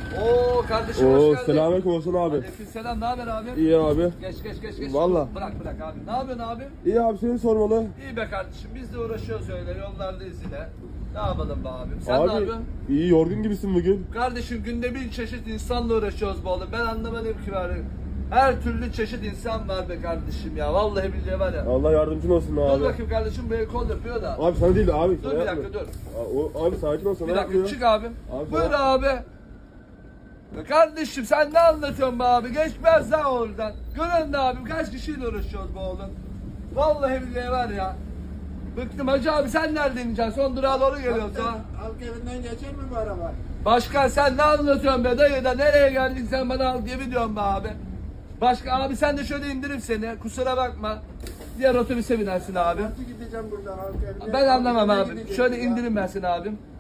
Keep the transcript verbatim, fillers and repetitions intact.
Oo kardeşim Oo, hoş geldin. selamünaleyküm olsun abi. Aleykümselam, ne haber abi? İyi abi. Geç geç geç geç. Valla. Bırak bırak abi. Ne yapıyorsun abi? İyi abi, seni sormalı. İyi be kardeşim, biz de uğraşıyoruz öyle, yollardayız yine. Ne yapalım be abim? Sen ne Abi yapıyorsun? iyi, yorgun gibisin bugün. Kardeşim günde bin çeşit insanla uğraşıyoruz be oğlum. Ben anlamadım ki bari. Her türlü çeşit insan var be kardeşim ya. Vallahi billahi var ya. Allah yardımcın olsun Dur abi. bakayım kardeşim, bu el kol yapıyor da. Abi sana değil de abi. Dur sana bir yapma. dakika dur. Aa, o- Abi sakin ol, sana Bir dakika yapmıyor. çık abi. Abi, Buyur sana- abi. Ya kardeşim sen ne anlatıyorsun be abi? Geçmez lan oradan. Görün de abim, kaç kişiyle uğraşıyoruz be oğlum. Vallahi billahi var ya. Bıktım hacı abi, sen nereden ineceksin? Son durağa doğru geliyoruz ha. Halk evinden geçer mi bu araba? Başkan sen ne anlatıyorsun be dayı da, nereye geldin sen bana al diye biliyorsun be abi. Başka abi sen de şöyle indirim seni, kusura bakma. Diğer otobüse binersin abi. Nasıl gideceğim buradan halk evinden? Ben anlamam Halk evine abi. gideceğim Şöyle ya. indirim ben seni abim.